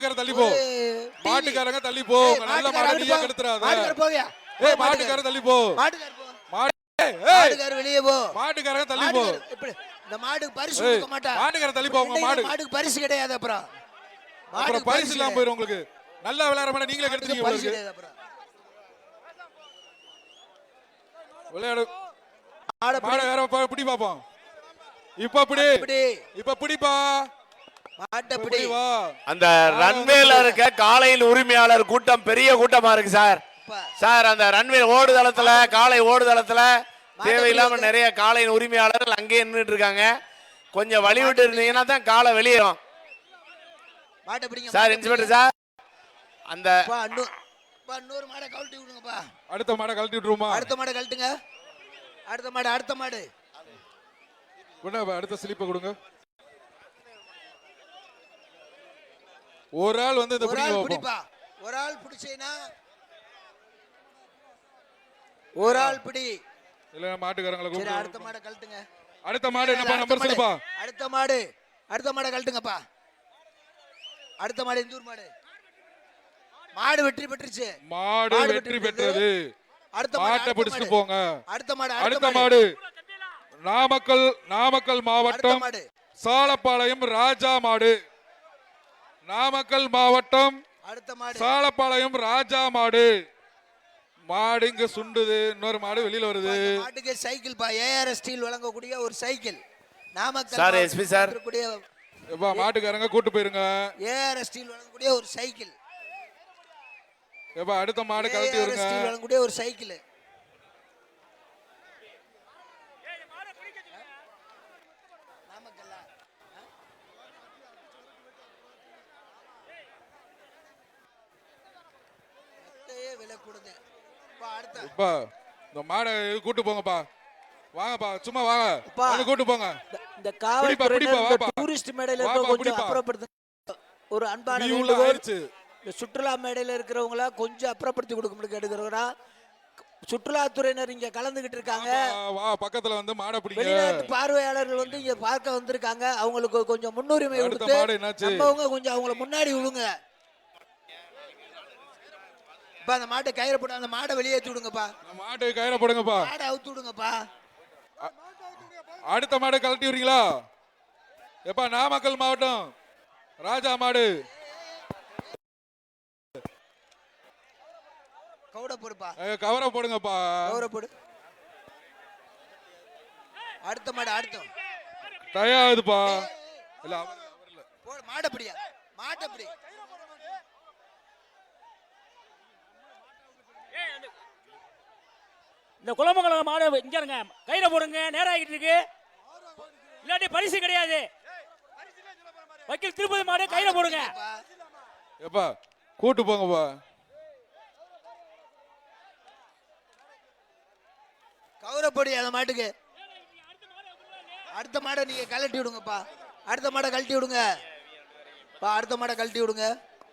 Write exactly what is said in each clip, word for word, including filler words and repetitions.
தள்ளி போ. மாட்டுக்காரங்க தள்ளி போ. நல்ல மாடு நீயே கெடுத்துறாத. மாட்டுக்கார போவியா? ஏய் மாட்டுக்கார தள்ளி போ. மாட்டுக்கார போ. மாடு ஏய் மாட்டுக்கார வெளிய போ. மாட்டுக்காரங்க தள்ளி போ. இப்படி இந்த மாடுக்கு பரிசு கொடுக்க மாட்டா. மாட்டுக்கார தள்ளி போ. உங்க மாடு மாடுக்கு பரிசு கிடையாது அப்புறம். அப்புறம் பரிசு இல்லாம போயிரும் உங்களுக்கு. நல்லா விளையாடுற மாட நீங்களே கெடுத்துட்டீங்க பரிசு கிடையாது அப்புறம். விளையாடு. மாட வேற பிடி பாப்போம். இப்ப பிடி. இப்ப பிடிப்பா. மாட்ட பிடி. அந்த ரன்வேல இருக்க காளையின் உரிமையாளர் கூட்டம் பெரிய கூட்டமா இருக்கு சார். சார் அந்த ரன்வே ஓடுதளத்துல காளை ஓடுதளத்துல தேவையில்லாம நிறைய காளையின் உரிமையாளர்கள் அங்கேயே நின்றுட்டு இருக்காங்க. கொஞ்சம் வழி விட்டு இருந்தீங்கன்னா தான் காளை வெளியேறும். மாட்ட பிடிங்க சார் இன்ஸ்பெக்டர் சார் அந்த இன்னொரு மாடை கழட்டி விடுங்கப்பா. அடுத்த மாடை கழட்டி விட்டுருமா? அடுத்த மாடை கழட்டுங்க. அடுத்த மாடு அடுத்த மாடு அடுத்த ஸ்லிப்பை கொடுங்க. ஒரு ஆள் வந்து இந்த பிடிப்பா. ஒரு ஆள் பிடிச்சேனா ஒரு ஆள் பிடி. இல்ல மாட்டுக்காரங்களை கூப்பிடு. அடுத்த மாடை கழட்டுங்க. அடுத்த மாடு என்னப்பா நம்பர் சொல்லுப்பா. அடுத்த மாடு அடுத்த மாடை கழட்டுங்கப்பா. அடுத்த மாடு இந்தூர் மாடு. மாடு வெற்றி பெற்றுச்சு. மாடு வெற்றி பெற்றது. அடுத்த மாட்டை பிடிச்சிட்டு போங்க. அடுத்த மாடு அடுத்த மாடு நாமக்கல் நாமக்கல் மாவட்டம் சாலப்பாளையம் ராஜா மாடு. நாமக்கல் மாவட்டம் அடுத்த மாடு சாலப்பாளையம் ராஜா மாடு. மாடு இங்க சுண்டுது. இன்னொரு மாடு வெளியில வருது. மாட்டுக்கு சைக்கிள் பா. ஏஆர் ஸ்டீல் வழங்கக்கூடிய ஒரு cycle. Namakkal sir SP sir எப்பா மாட்டுக்காரங்க கூட்டு போயிருங்க. ஏஆர் ஸ்டீல் வழங்கக்கூடிய ஒரு சைக்கிள். எப்பா அடுத்த மாடு கழட்டி வருங்க. ஸ்டீல் வழங்கக்கூடிய ஒரு சைக்கிள். இந்த மாடை கூட்டு போங்கப்பா. வாங்கப்பா சும்மா வாங்க. வந்து கூட்டு போங்க. இந்த காவல்துறை டூரிஸ்ட் மேடையில இருக்க கொஞ்சம் அப்புறப்படுத்து. ஒரு அன்பான வேண்டுகோள். இந்த சுற்றுலா மேடையில இருக்கிறவங்கள கொஞ்சம் அப்புறப்படுத்தி கொடுக்க கேட்டுக்கிறோம்னா சுற்றுலாத்துறையினர் இங்க கலந்துகிட்டு இருக்காங்க. பக்கத்துல வந்து மாடை பிடிங்க. வெளிநாட்டு பார்வையாளர்கள் வந்து இங்க பார்க்க வந்திருக்காங்க. அவங்களுக்கு கொஞ்சம் முன்னுரிமை கொடுத்து நம்மவங்க கொஞ்சம் அவங்கள முன்னாடி விடுங்க. பா அந்த மாட்டை கயிறு போட்டு அந்த மாடை வெளியேற்றி விடுங்கப்பா. மாட்டை கயிறு போடுங்கப்பா. மாடை அவுத்து விடுங்கப்பா. அடுத்த மாடை கழட்டி விடுறீங்களா? எப்பா நாமக்கல் மாவட்டம் ராஜா மாடு. கவுட போடுப்பா. கவரை போடுங்கப்பா. கவரை போடு. அடுத்த மாடு அடுத்த தயாதுப்பா. இல்ல அவர் இல்ல. போடு மாடை பிடியா. மாட்டை பிடி. இந்த குலமங்கலம் மாடு இங்க இருங்க. கையில போடுங்க. நேரம் ஆகிட்டு இருக்கு. இல்லாட்டி பரிசு கிடையாது. வக்கீல் திருப்பதி மாடு கையில போடுங்க. எப்பா கூட்டு போங்கப்பா. கௌரப்படி அந்த மாட்டுக்கு. அடுத்த மாடை நீங்க கழட்டி விடுங்கப்பா. அடுத்த மாடை கழட்டி விடுங்க. அடுத்த மாடை கழட்டி விடுங்க.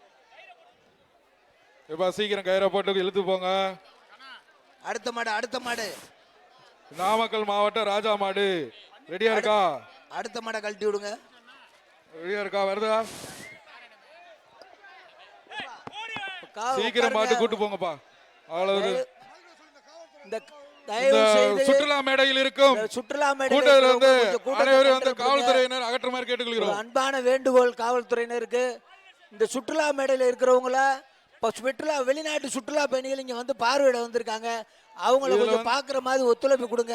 எப்பா சீக்கிரம் கயிறை போட்டு இழுத்து போங்க. அடுத்த மாடு அடுத்த மாடு நாமக்கல் மாவட்டம் ராஜா மாடு. ரெடியா இருக்கா? அடுத்த மாடை கழட்டி விடுங்க. ரெடியா இருக்கா? வருதா? சீக்கிரம் மாட்டு கூட்டு போங்கப்பா. அவ்வளவு. இந்த சுற்றுலா மேடையில் இருக்கும் சுற்றுலா மேடையில் வந்து அனைவரும் வந்து காவல்துறையினர் அகற்றுமாறு கேட்டுக்கொள்கிறோம். அன்பான வேண்டுகோள் காவல்துறையினருக்கு. இந்த சுற்றுலா மேடையில் இருக்கிறவங்கள சுற்றுலா வெளிநாட்டு சுற்றுலா பயணிகள் இங்க வந்து பார்வையிட வந்திருக்காங்க. அவங்கள கொஞ்சம் பாக்குற மாதிரி ஒத்துழைப்பு கொடுங்க.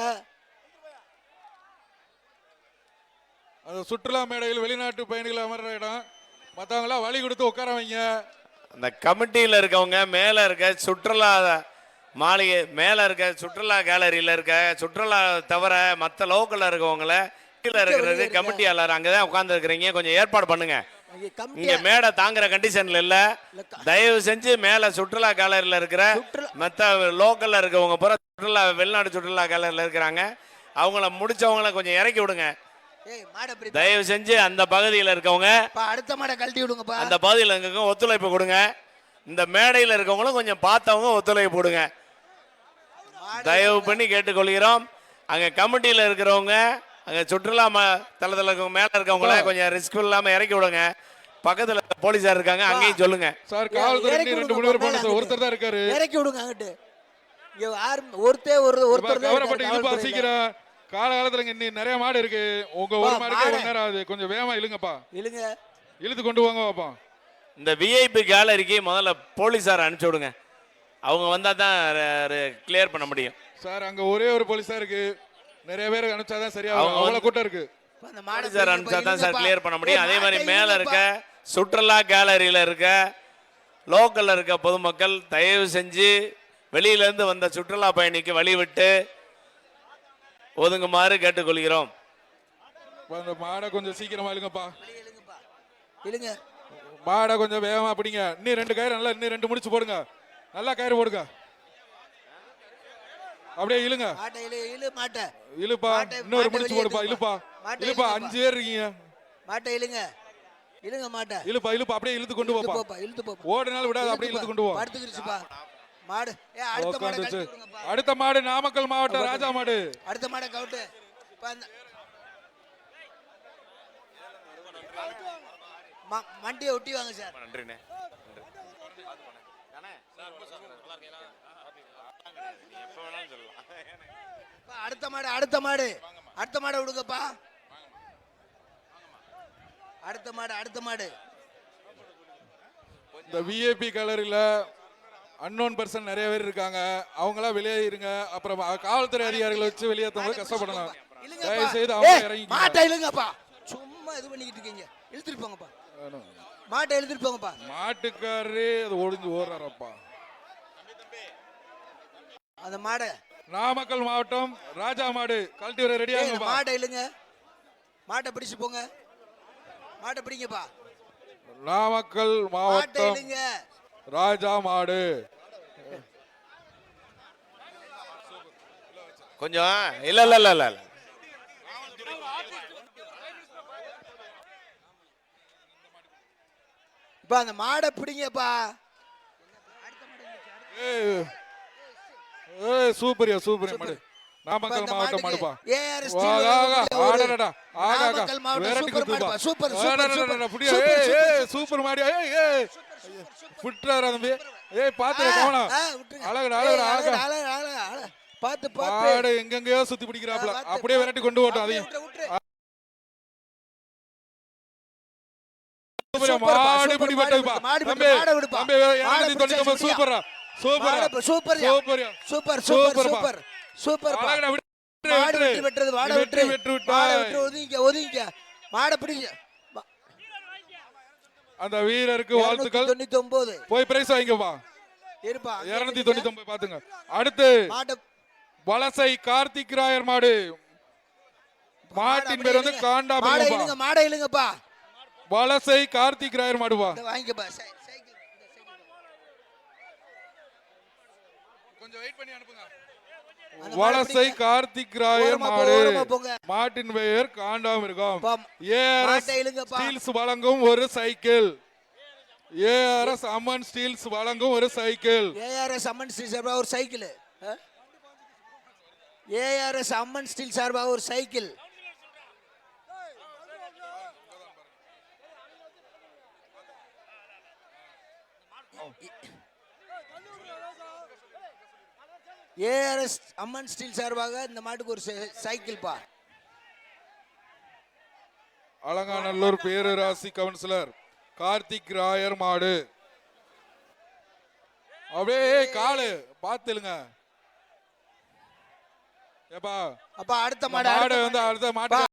அந்த சுற்றுலா மேடையில் வெளிநாட்டு பயணிகள் அமர்ற இடம். மற்றவங்களா வழி கொடுத்து உட்கார வைங்க. அந்த கமிட்டியில் இருக்கவங்க மேல இருக்க சுற்றுலா மாளிகை மேல இருக்க சுற்றுலா கேலரியில இருக்க சுற்றுலா தவிர மற்ற லோக்கல்ல இருக்கவங்கள கீழே இருக்கிறது கமிட்டியாளர் அங்கதான் உட்கார்ந்து இருக்கிறீங்க. கொஞ்சம் ஏற்பாடு பண்ணுங்க. இங்க மேடை தாங்குற கண்டிஷன்ல இல்ல. தயவு செஞ்சு மேல சுற்றுலா கேலரியில இருக்கிற மத்த லோக்கல்ல இருக்கவங்க பூரா சுற்றுலா வெளிநாட்டு சுற்றுலா கேலரியில இருக்கிறாங்க. அவங்கள முடிச்சவங்கள கொஞ்சம் இறக்கி விடுங்க. தயவு செஞ்சு அந்த பகுதியில் இருக்கவங்க அடுத்த மாடை கழட்டி விடுங்கப்பா. அந்த பகுதியில் இருக்கவங்க ஒத்துழைப்பு கொடுங்க. இந்த மேடையில் இருக்கவங்களும் கொஞ்சம் பார்த்தவங்க ஒத்துழைப்பு கொடுங்க. தயவு பண்ணி கேட்டுக்கொள்கிறோம். அங்க கமிட்டியில் இருக்கிறவங்க அங்க சுற்றுலா தளத்தில் இருக்கவங்க மேல இருக்கவங்கள கொஞ்சம் ரிஸ்க் இல்லாம இறக்கி விடுங்க. பக்கத்துல போலீஸார் இருக்காங்க, அங்கேயும் சொல்லுங்க. சார் காவல்துறை இறக்கி இன்னும் ரெண்டு விடுங்க, மூணு பேர் மேல போன சார், அங்கிட்டு. ஒருத்தர் தான் இருக்காரு. இறக்கி விடுங்க அங்கிட்டு. இங்க யாரும் ஒருத்தே ஒரு ஒருத்தர் தான் கவரப்பட்டு இருக்காரு இழுப்பா காவல்துறையில. சீக்கிரம். கால காலத்துல இங்க இன்னும் நிறைய மாடு இருக்கு. உங்க ஒரு பா, மாடுக்கே மாடு. ஒரு நேரம் ஆகுது. கொஞ்சம் வேகமா இழுங்கப்பா. இழுங்க. இழுத்து கொண்டு வாங்க பாப்பா. இந்த விஐபி கேலரிக்கு முதல்ல போலீஸார் அனுப்பிச்சு விடுங்க. அவங்க வந்தா தான் கிளியர் பண்ண முடியும். சார் அங்க ஒரே ஒரு போலீஸா இருக்கு. நிறைய பேர் அனுப்பிச்சாதான் சரியா அவங்க அவ்வளவு வந்து- கூட்டம் இருக்கு. இப்ப அந்த மாடை போலீஸார் பிடிங்க, அனுப்பிச்சா தான் இப்ப சார் கிளியர் பண்ண முடியும். ஏய், அதே மாதிரி மாட்டை மேல இருக்க இழுங்கப்பா. சுற்றுலா கேலரியில இருக்க லோக்கல்ல இருக்க பொதுமக்கள் தயவு செஞ்சு வெளியில இருந்து வந்த சுற்றுலா பயணிக்கு வழி விட்டு ஒதுங்குமாறு கேட்டுக்கொள்கிறோம். இப்ப அந்த மாடை கொஞ்சம் சீக்கிரமா இழுங்கப்பா. வெளிய இழுங்கப்பா. இழுங்க. மாடை கொஞ்சம் வேகமா பிடிங்க. இன்னும் ரெண்டு கயிறு நல்லா இன்னும் ரெண்டு முடிச்சு போடுங்க. நல்லா கயிறு போடுங்க. அப்படியே இழுங்க. மாட்டை இழு இழு மாட்டை. இழுப்பா. மாட்டை- இன்னொரு மாட்டை முடிச்சு வெளியே போடுப்பா. எடுத்துப்பா. இழுப்பா. மாட்டை இழுப்பா. இழுங்கப்பா. அஞ்சு பேர் இருக்கீங்க. மாட்டை இழுங்க. இழுங்க மாட்டை. இழுப்பா இழுப்பா அப்படியே இழுத்து கொண்டு இழுத்து போப்பா. போப்பா, இழுத்து போப்பா. ஓடுனாலும் விடாது அப்படியே இழுத்து கொண்டு போ. படுத்துக்கிருச்சுப்பா. மாடு. ஏ அடுத்த மாடை உட்காந்துச்சு. கழட்டி விடுங்கப்பா. அடுத்த மாடு நாமக்கல் மாவட்டம் ராஜா மாடு. அடுத்த மாடை கவுட்டு. இப்ப அந்த ம- மண்டியை ஒட்டி வாங்க சார். நன்றிண்ணே. இப்ப அடுத்த மாடு அடுத்த மாடு அடுத்த மாடை விடுங்கப்பா. அடுத்த மாடு அடுத்த மாடு. இந்த விஐபி கலரில் அன்னோன் பர்சன் நிறைய பேர் இருக்காங்க. அவங்களாம் வெளியேறிங்க. அப்புறம் காவல்துறை அதிகாரிகளை வச்சு வெளியேற்றும் கஷ்டப்படணும். இழுங்கப்பா. தயவு செய்து அவங்க ஏய், இறங்கி மாட்டை இழுங்கப்பா. சும்மா இது பண்ணிக்கிட்டு இருக்கீங்க. இழுத்துட்டு போங்கப்பா. மாட்டை இழுத்துட்டு போங்கப்பா. மாட்டுக்காரரே அது ஒளிஞ்சு ஓடுறாரப்பா. அந்த மாடை நாமக்கல் மாவட்டம் ராஜா மாடு கழட்டி வர ரெடி ஏய், இந்த ஆகுங்கப்பா. மாட்டை இழுங்க. மாட்டை பிடிச்சு போங்க. மாட்டை பிடிங்கப்பா. நாமக்கல் மாட்டை மாவட்டம் இழுங்க. ராஜா மாடு. கொஞ்சம் இல்ல இல்ல இல்ல இல்ல இல்ல. இப்ப அந்த மாடை பிடிங்கப்பா. ஏய் ஏய் சூப்பரியா சூப்பரியா மாடு. இப்ப நாமக்கல் இந்த மாவட்டம் மாட்டுக்கு மாடுப்பா. ஏஆர் வா, ஸ்டீல் ஆகா, வழங்கக்கூடிய ஒரு ஆடடடா, ஆகா, ஆகா. நாமக்கல் மாவட்டம் விரட்டி சூப்பர் குத்துப்பா. மாடுப்பா. சூப்பர் சூப்பர் ஆடடடடா, சூப்பர் புடியா. சூப்பர் ஏய், சூப்பர் ஏய், சூப்பர் மாடு. ஏய், ஏய். புட்றாரா தம்பி. ஏய், பாத்துடா, ஆ, கவனம். ஆ, விட்டுருங்க. அழகுடா, ஏய், அழகுடா, அழகுடா, அழகா. அழகுடா, அழகுடா, அழகுடா. பாத்து பாத்து மாடு எங்கெங்கயோ சுத்தி பிடிக்கிறாப்ல. ஆ, பாத்து, அப்படியே விரட்டி கொண்டு போட்டோம் அப்படியே அதையும். விட்டுரு, விட்டுரு. சூப்பரா, சூப்பர்ப்பா, மாடு சூப்பர், பிடி மாடு பட்டதுப்பா. விடு, மாடு விடு, தம்பி, மாடை விடுப்பா. தம்பி, மாடை இருநூத்தி தொண்ணூத்தி ஒன்பது, பிடிச்சா சூப்பரா, சூப்பரா. மாடு சூப்பர்யா. சூப்பர்யா. சூப்பர் சூப்பர் சூப்பர்ப்பா. சூப்பர் சூப்பர் அழகுடா, விட்டு, மாடு விட்டு. வெற்றி பெற்றது. மாடு வெற்றி வெற்றி பெற்று மாடு விட்டாய். வெற்றி. ஒதுங்கிக்க ஒதுங்கிக்க. மாடை பிடிங்க. அந்த வீரருக்கு வாழ்த்துக்கள். தொண்ணூத்தி ஒன்பது போய் பிரைஸ் வாங்கிக்கப்பா. இருப்பா. அங்கே இருநூத்தி நில்லுங்க. தொண்ணூத்தி ஒன்பது பாத்துங்க. அடுத்து மாட்டை வலசை கார்த்திக் ராயர் மாடு. மாட்டின் பேர் வந்து மாடை காண்டாபுரம். இழுங்க. மாடை இழுங்கப்பா. வலசை கார்த்திக் ராயர் மாடுவா. இதை வாங்கிக்கப்பா. சை- சைக்கிள் இந்த சைக்கிள். கொஞ்சம் வெயிட் பண்ணி அனுப்புங்க. அந்த மாடை வலசை பிடிங்க. கார்த்திக் ராயர் ஓரமா போ, மாடு. ஓரமா போங்க. மாட்டின் பெயர் காண்டாமிருகம். பா, ஏஆர்எஸ் மாட்டை இழுங்கப்பா. ஸ்டீல்ஸ் வழங்கும் ஒரு சைக்கிள். ஏஆர்எஸ் அம்மன் ஸ்டீல்ஸ் வழங்கும் ஒரு சைக்கிள். ஏஆர்எஸ் அம்மன் ஸ்டீல் சார்பாக ஒரு சைக்கிள். ஏஆர்எஸ் அம்மன் ஸ்டீல் சார்பாக ஒரு சைக்கிள். ஏஆர்எஸ் அம்மன் ஸ்டீல் சார்பாக இந்த மாட்டுக்கு ஒரு சை- சைக்கிள் பா. அலங்காநல்லூர் பேரராசி கவுன்சிலர் கார்த்திக் ராயர் மாடு. அப்படியே காலு பாத்துலுங்க. ஏப்பா அப்பா அடுத்த மாடு மாடு அடுத்த வந்து மாடு. அடுத்த மாட்டு